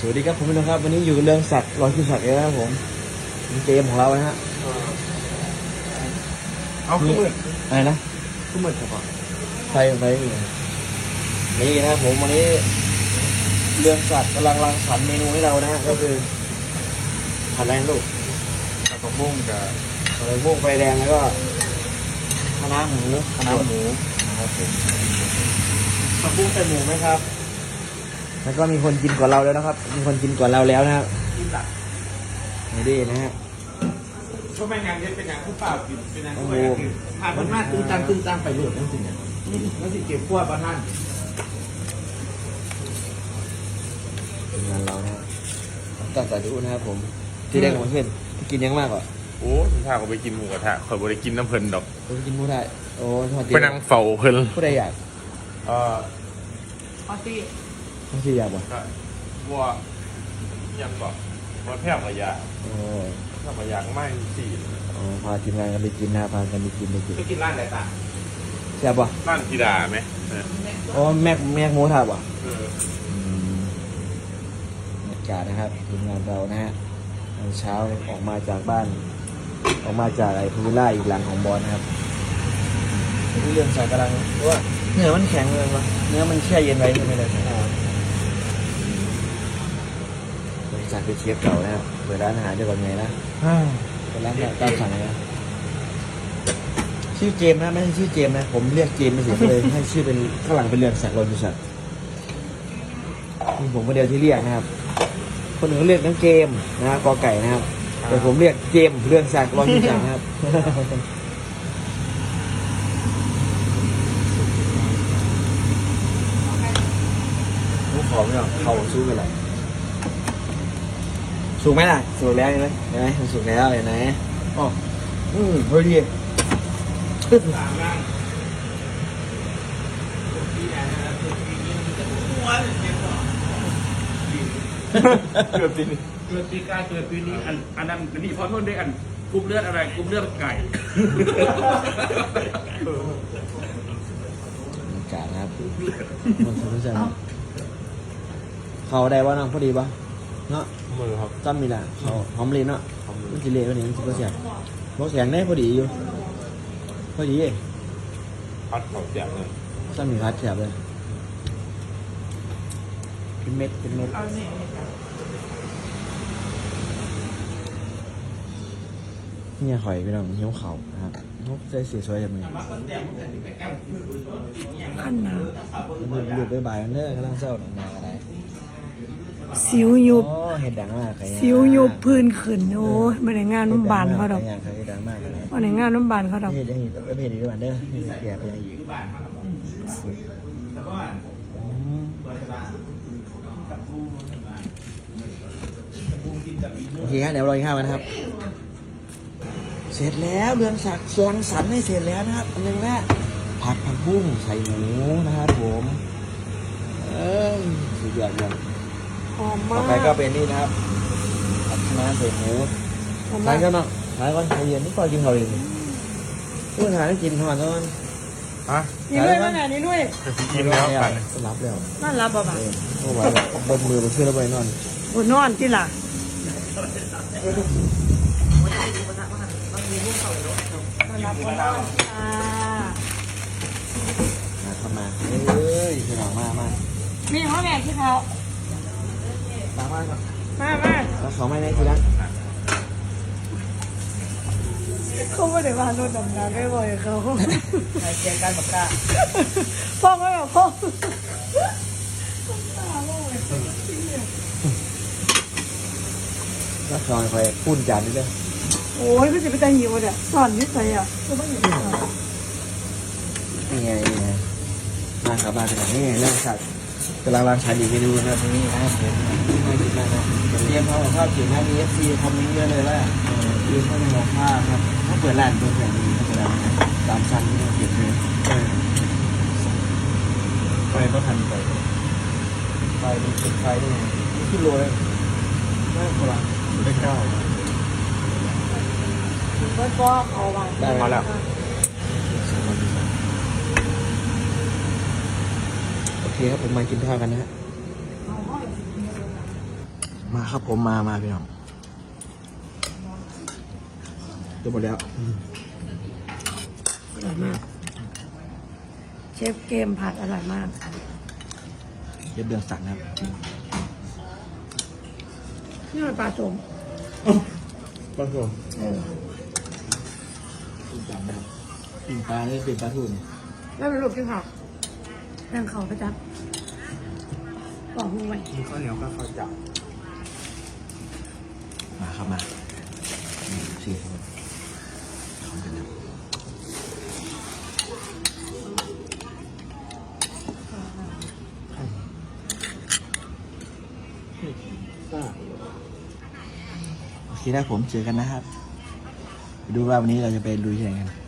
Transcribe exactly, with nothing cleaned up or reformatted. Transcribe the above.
วัสดีครับผมพี่น้องครับวันนี้อยู่เรื่องสักรอยคิวสักเลยนะครับผมเกมของเรานะฮะเอาขึ้นมืออะไรนะขึ้นมือครับไฟไฟนี่นะครับผมวันนี้เรื่องสักกำลังรังสรรค์เมนูให้เรานะฮะก็คือผัดแรงลูกผัดผักบุ้งกับผัดพวกไฟแดงแล้วก็คะน้าหมูคะน้าหมูนะครับผมผักบุ้งใส่หมูไหมครับแล้วก็มีคนกินกว่าเราแล้วนะครับมีคนกินกว่าเราแล้วนะครับนี่ดีนะฮะก็เป็นงานเย็นเป็นงานผู้เปล่ากินเป็นงานผู้ใหญ่กินผ่านมันมากตึ้งตังตึ้งตังไปหลุดนั่นสิเนี่ยนั่นสิเก็บขวดบ้านนั่นเป็นงานเรานะตั้งแต่ดูนะครับผมที่ได้กับเพื่อนกินยังมากกว่าโอ้ถ้าเขาไปกินหมูกระทะเขาไปกินน้ำเพลินดอกไปกินหมูได้โอ้ไปนั่งเฝ้าเพลินผู้ใดอยากเออปาร์ตี้ปาร์ตี้อยากบ่วัวยังก่อนวัวแพร่กระยาโอ้แพร่กระยาไม่สี่อ๋อพาทีมงานกันไปกินนะพากันไปกินไปกินไปกินร้านไหนต่างใช่ป่ะร้านธิดาไหมโอ้แม็กแม็กโมท่าป่ะบรรยากาศนะครับทีมงานเรานะฮะตอนเช้าออกมาจากบ้านออกมาจากไอ้พูล่าอีกหลังของบอลนะครับเรื่องสายกำลังว่าเนื้อมันแข็งเลยวะเนื้อมันแช่เย็นไว้ใช่ไหมเลยบริษัทเป็นเชฟเก่านะครับเปิดร้านอาหารจะเป็นไงนะเป็นร้านตามสั่งนะชื่อเจมนะไม่ใช่ชื่อเจมนะผมเรียกเจมไม่เสียเลยให้ชื่อเป็นข้างหลังเป็นเรืองศักดิ์รอยบริษัทมีผมคนเดียวที่เรียกนะครับคนอื่นเรียกน้องเจมนะกอไก่นะครับแต่ผมเรียกเจมเรืองศักดิ์รอยบริษัทนะครับลูกขอไม่หรอกเขาสู้กันเลยสูงไหมล่ะสูงแล้วเห็นไหมเห็นไหมมันสูงแล้วเห็นไหมอ๋ออืมพอดีเกิดปีนี้เกิดปีกาเกิดปีนี้อันอันนั้นนี่พอโทษด้วยอันกลุ่มเลือดอะไรกลุ่มเลือดไก่อากาศนะครับมันสนุกสนานเขาได้ว่าน้องพอดีปะเนาะมือครับตั้มมีแหละเขาหอมเลยเนาะมันกิเลสวันนี้มันก็เสียบกแข็งได้พอดีอยู่พอดีพัดเขาแจกเลยตั้มมีพัดแฉบเลยเป็นเม็ดเป็นเม็ดเนี่ยหอยไปน้องเหี้ยวเขานะครับนกใจเสียสวยจังเลยขั้นหนาวหลุดไปบ่ายมันเด้อกำลังเศร้าหนังมาอะไรสิวยุบเห็ดดังมากสิวยุบพื้นขึ้นโอ้ยมาในงานน้ำบานเขาดอกมาในงานน้ำบานเขาดอกเห็ดยังอีกเห็ดอีกด้วยเด้อเห็ดแก่ไปยังอีกโอเคครับเดี๋ยวรอข้าวกันนะครับเสร็จแล้วเรืองศักดิ์สวงสรรค์ให้เสร็จแล้วนะครับอันนึงนะผัดผักบุ้งใส่หมูนะครับผมเออสุดยอดเลยหอมมากต่อไปก็เป็นนี่นะครับผัดคะน้าใส่หมูทานกันเนาะทานก่อนใจเย็นนี่ก่อนกินเขาเองพูดทานให้กินทานก่อนฮะนี่ด้วยว่าไงนี่ด้วยกินแล้วกันรับแล้วนั่นรับป่ะโอ้โหบนมือบนเชือกแล้วไปนอนบนนอนที่หล่ะมาเข้ามาเอ้ยพี่น้องมามามีห้องแม่ที่เขามามาครับมามาแล้วเขาไม่ได้ทีละเขาไม่ได้มาโดนดำน้ำไม่บ่อยเขาใครเกี่ยงกันปากกาพ่อก็แบบพ่อแล้วคอยคอยพูดจานนี้เลยโอ้ยก็จะไปแต่งหิวเนี่ยสอนนิสัยอ่ะก็ไม่หิวนี่ไงนี่ไงมาครับมาขนาดนี้เรื่องสัตว์กำลังรังสรรค์อีกเมนูนะครับนี่นะครับผมไม่กินมากนะเตรียมข้าวข้าวจีนนะมีเอฟซีคอมเมนต์เยอะเลยว่ายืนข้าวในหม้อข้าวครับถ้าเปิดร้านตัวแบบนี้ก็จะตามชั้นที่เราเก็บเลยไฟก็ทันไปไฟเป็นไฟได้ไงขึ้นโลเลยไม่พอละได้เก้าก็เอาไว้ได้มาแล้วโอเคครับผมมากินข้าวกันนะฮะมาครับผมมามาพี่น้องจะหมดแล้วอร่อยมากเชฟเกมผัดอร่อยมากเย็บเดืองสันครับนี่มันปลาส้มปลาทูเออจำได้ปิ่งปลานี่เป็นปลาทูนี่แล้วเป็นลูกที่ผักแรงเขาประจับบอกมึงไว้มีข้าวเหนียวก็ข้าวจับมาครับมานี่สี่คนทำกันนะโอเคนะผมเจอกันนะครับ ดูว่าวันนี้เราจะไปลุยที่ไหนกัน